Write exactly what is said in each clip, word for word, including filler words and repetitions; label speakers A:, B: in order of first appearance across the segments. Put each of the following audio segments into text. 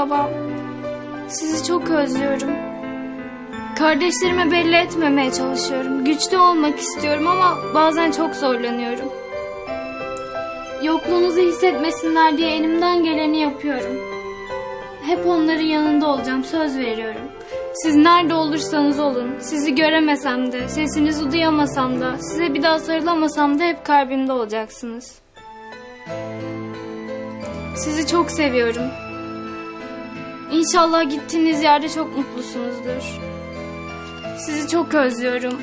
A: babam. Sizi çok özlüyorum. Kardeşlerime belli etmemeye çalışıyorum. Güçlü olmak istiyorum ama bazen çok zorlanıyorum. Yokluğunuzu hissetmesinler diye elimden geleni yapıyorum. Hep onların yanında olacağım, söz veriyorum. Siz nerede olursanız olun, sizi göremesem de, sesinizi duyamasam da, size bir daha sarılamasam da hep kalbimde olacaksınız. Sizi çok seviyorum. İnşallah gittiğiniz yerde çok mutlusunuzdur. Sizi çok özlüyorum.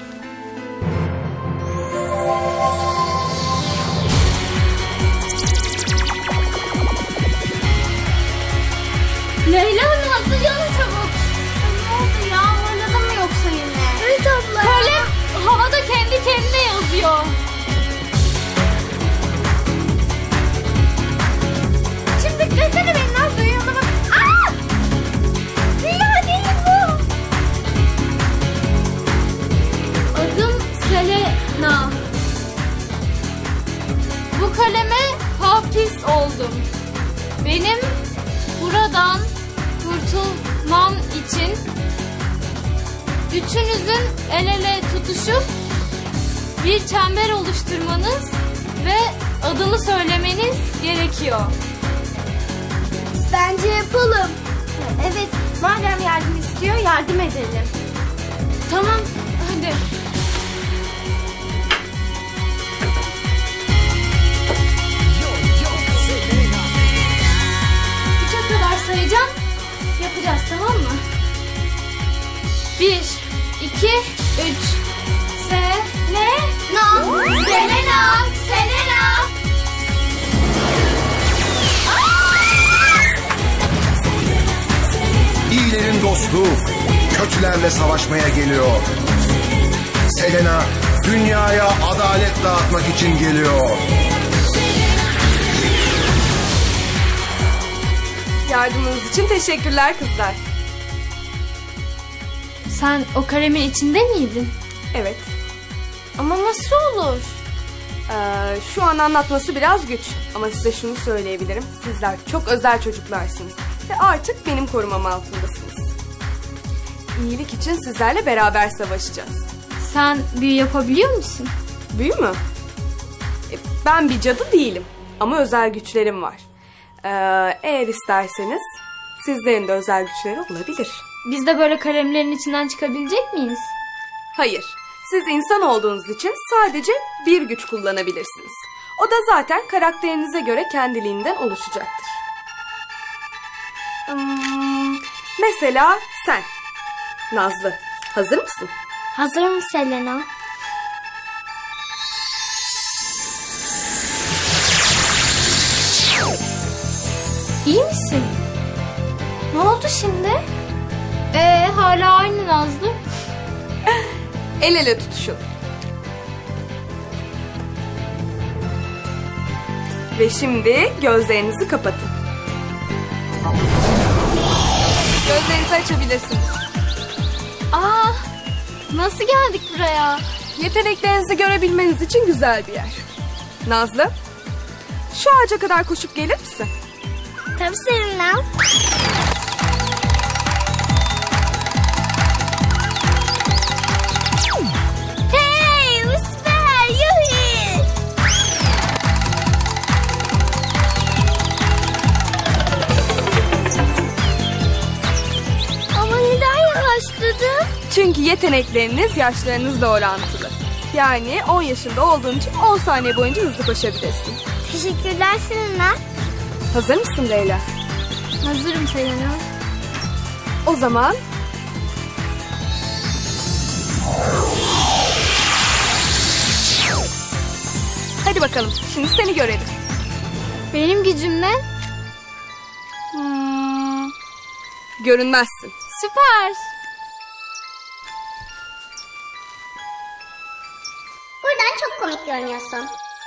A: Leyla Hanım, hazırlanın çabuk. Ne oldu ya? Oynadı mı yoksa yine? Evet abla. Kalem havada kendi kendine yazıyor. Şimdi beklesene beni, Nazlı, yanına bak. Aaa! Rüya değil bu. Adım Selena. Bu kaleme hapis oldum. Benim buradan kurtulmam için üçünüzün el ele tutuşup bir çember oluşturmanız ve adımı söylemeniz gerekiyor.
B: Bence yapalım. Evet, madem yardım istiyor, yardım edelim.
A: Tamam, hadi. Üçe kadar sayacağım. Yapacağız, tamam mı? Bir, iki, üç. Se, ne?
B: No. Selena, Selena.
C: İyilerin dostu, kötülerle savaşmaya geliyor. Selena, dünyaya adalet dağıtmak için geliyor.
D: Yardımınız için teşekkürler kızlar.
A: Sen o kalemin içinde miydin?
D: Evet.
A: Ama nasıl olur?
D: Ee, şu an anlatması biraz güç. Ama size şunu söyleyebilirim. Sizler çok özel çocuklarsınız. Ve artık benim korumam altındasınız. İyilik için sizlerle beraber savaşacağız.
A: Sen büyü yapabiliyor musun?
D: Büyü mü? E, ben bir cadı değilim. Ama özel güçlerim var. Ee, eğer isterseniz sizlerin de özel güçleri olabilir.
A: Biz de böyle kalemlerin içinden çıkabilecek miyiz?
D: Hayır. Siz insan olduğunuz için sadece bir güç kullanabilirsiniz. O da zaten karakterinize göre kendiliğinden oluşacaktır. Hmm, mesela sen. Nazlı, hazır mısın?
B: Hazırım Selena.
A: İyi misin?
B: Ne oldu şimdi?
A: Ee, hala aynı Nazlı.
D: El ele tutuşun. Ve şimdi gözlerinizi kapatın. Gözlerinizi açabilirsiniz.
A: Aa, nasıl geldik buraya?
D: Yeteneklerinizi görebilmeniz için güzel bir yer. Nazlı, şu ağaca kadar koşup gelir misin?
B: Tabii Selena. Hey, bu süper, yuhi. Ama neden yavaşladın?
D: Çünkü yetenekleriniz yaşlarınızla orantılı. Yani on yaşında olduğun için on saniye boyunca hızlı koşabilirsin.
B: Teşekkürler Selena.
D: Hazır mısın Leyla?
A: Hazırım Selena.
D: O zaman... Hadi bakalım, şimdi seni görelim.
A: Benim gücüm ne?
D: Hmm, görünmezsin.
A: Süper.
B: Buradan çok komik görünüyorsun.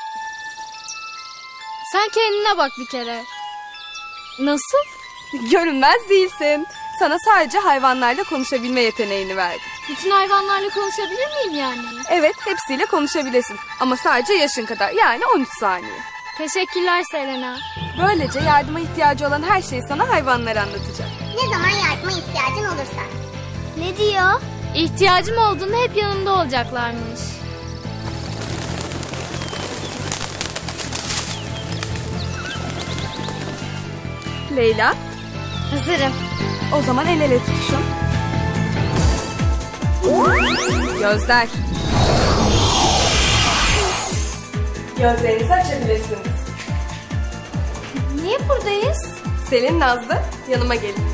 A: Sen kendine bak bir kere. Nasıl?
D: Görünmez değilsin. Sana sadece hayvanlarla konuşabilme yeteneğini verdim.
A: Bütün hayvanlarla konuşabilir miyim yani?
D: Evet, hepsiyle konuşabilirsin. Ama sadece yaşın kadar, yani on üç saniye.
A: Teşekkürler Selena.
D: Böylece yardıma ihtiyacı olan her şeyi sana hayvanlar anlatacak.
E: Ne zaman yardıma ihtiyacın olursa.
B: Ne diyor?
A: İhtiyacım olduğunda hep yanımda olacaklarmış.
D: Leyla,
B: Hazırım.
D: o zaman el ele tutuşun. Gözler. Gözlerinizi açabilirsiniz.
B: Niye buradayız?
D: Selin, Nazlı, yanıma gelin.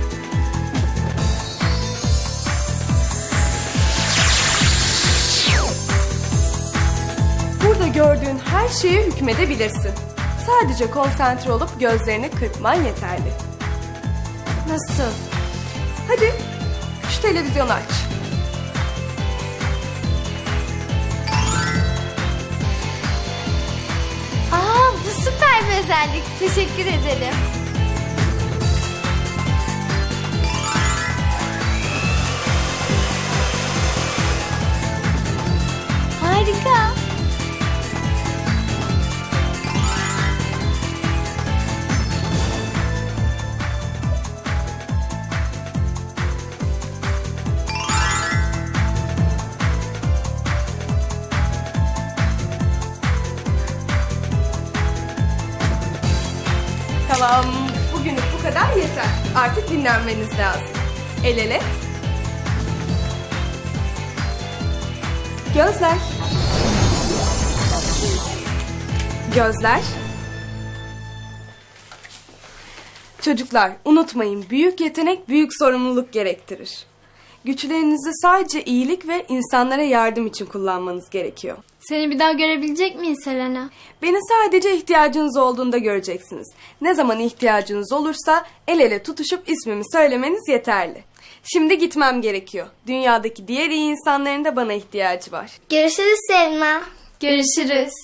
D: Burada gördüğün her şeye hükmedebilirsin. Sadece konsantre olup gözlerini kırpman yeterli.
B: Nasıl?
D: Hadi şu televizyonu aç.
B: Aa, bu süper bir özellik. Teşekkür ederim. Harika.
D: Tamam, bugünlük bu kadar yeter. Artık dinlenmeniz lazım. El ele. Gözler. Gözler. Çocuklar, unutmayın, büyük yetenek büyük sorumluluk gerektirir. Güçlerinizi sadece iyilik ve insanlara yardım için kullanmanız gerekiyor.
A: Seni bir daha görebilecek miyiz Selena?
D: Beni sadece ihtiyacınız olduğunda göreceksiniz. Ne zaman ihtiyacınız olursa el ele tutuşup ismimi söylemeniz yeterli. Şimdi gitmem gerekiyor. Dünyadaki diğer iyi insanların da bana ihtiyacı var.
B: Görüşürüz Selma.
A: Görüşürüz.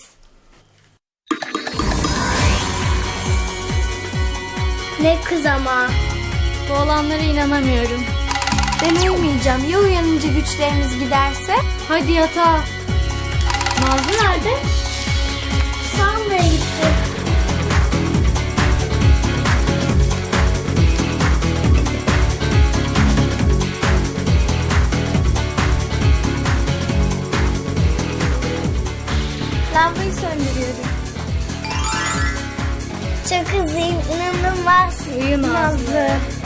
B: Ne kız ama.
A: Bu olanlara inanamıyorum.
B: Ben uyumayacağım. Ya uyanınca güçlerimiz giderse?
A: Hadi yatağa. Nazlı nerede?
B: Sanmaya gitti. Lambayı söndürüyorum. Çok hızlıyım, inanılmaz.
A: Uyu Nazlı.
B: Nazlı.